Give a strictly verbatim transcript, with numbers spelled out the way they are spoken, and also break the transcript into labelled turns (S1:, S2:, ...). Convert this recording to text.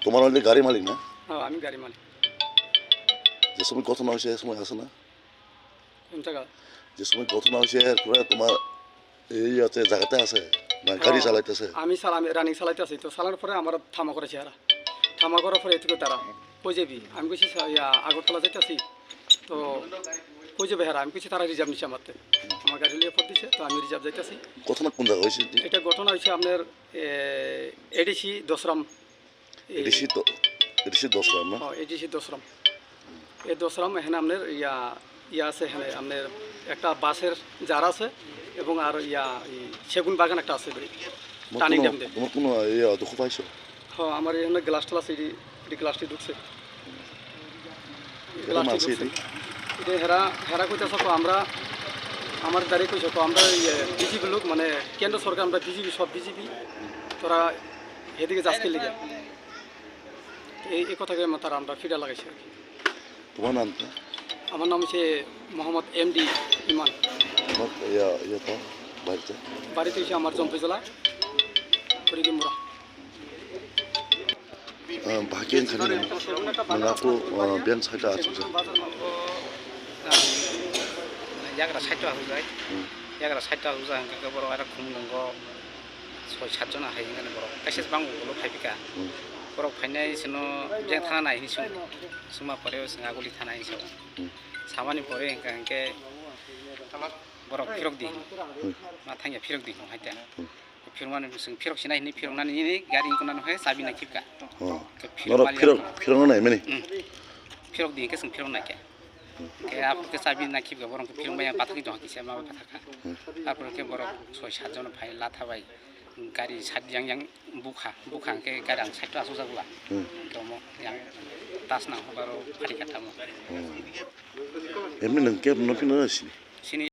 S1: তোমার হলে গাড়ি মালিক না?
S2: হ্যাঁ আমি গাড়ি মালিক।
S1: যে সময় ঘটনা হয়েছে এ সময় আসে না?
S2: কোন জায়গা?
S1: যে সময় ঘটনা হয়েছে এরপরে তোমার এই আছে জায়গাতে আছে না গাড়ি চালাইতেছে?
S2: আমি সালাম রানিং চালাইতে আছি, তো চালানোর পরে আমার থামা করেছে এরা। থামা করার পরে এটুকু তারা কই যাবি, আমি কইছি ইয়া আগরতলা যাইতেছি, তো কই যাবে হেরা, আমি কইছি তারা রিজার্ভ নিচ্ছে আমারতে, আমার গাড়ি লিয়ে ফোন দিছে, তো আমি রিজার্ভ যাইতেছি।
S1: ঘটনা কোন জায়গা হয়েছে?
S2: এটা ঘটনা হয়েছে আপনার এডিসি দশরাম।
S1: এডিসি তো এডিসি দশরাম না?
S2: হ্যাঁ এডিসি দশরাম। এই দশরাম এখানে আপনার ইয়া ইয়া আছে, এখানে আপনার একটা বাসের যার আছে এবং আর ইয়া সেগুন বাগান একটা আছে টানি ড্যাম দিয়ে।
S1: তোমার কোনো ইয়া দুঃখ পাইছো?
S2: হ্যাঁ আমার এখানে গ্লাস টল আছে, এটি গ্লাসটি ঢুকছে, গ্লাসটি ঢুকছে। এটা হেরা হেরা কইতেছ আমরা আমার দাঁড়িয়ে কইছ আমরা বিজেপি লোক, মানে কেন্দ্র সরকার আমরা বিজেপি, সব বিজেপি, তোরা এদিকে যাচ্ছে লিগে এই এই কথাকে তারা আমরা ফিরা লাগাইছি আর কি।
S1: তোমার নাম?
S2: আমার নাম হচ্ছে মোহাম্মদ এম ডি ইমান।
S1: বাড়িতে
S2: বাড়িতে হচ্ছে আমার জম্পি জেলা হরিগিমুরা।
S1: bagian kali ini mengaku biar saya aja.
S3: Jaga satu aku যায়, jaga satu aku যায়, angka baru ada kumlenggo, soal satu na hari ini baru. Kasih bangku kalau paypika, baru paynya seno jangan tanah ini semua, semua perlu sengaja kulit tanah ini semua. Sama ni perlu angka angka baru pirok di, matanya pirok di, hanya. Firman itu pirok sih, ini pirok nani ini garing konan hoy sabi nak kipka.
S1: Nora pirok pirok mana ini?
S3: Pirok di, keseng pirok nak ya. Kayak apa kesabi nak kipka, borong ke pirok banyak patah itu hakisnya mau patah kan. Apa ke borong soal saja nak pay latah bay, gari sad yang yang buka buka ke garang satu asu saja. Kamu yang tas nak baru hari katamu.
S1: Emang nengkep nopi nasi.
S3: Sini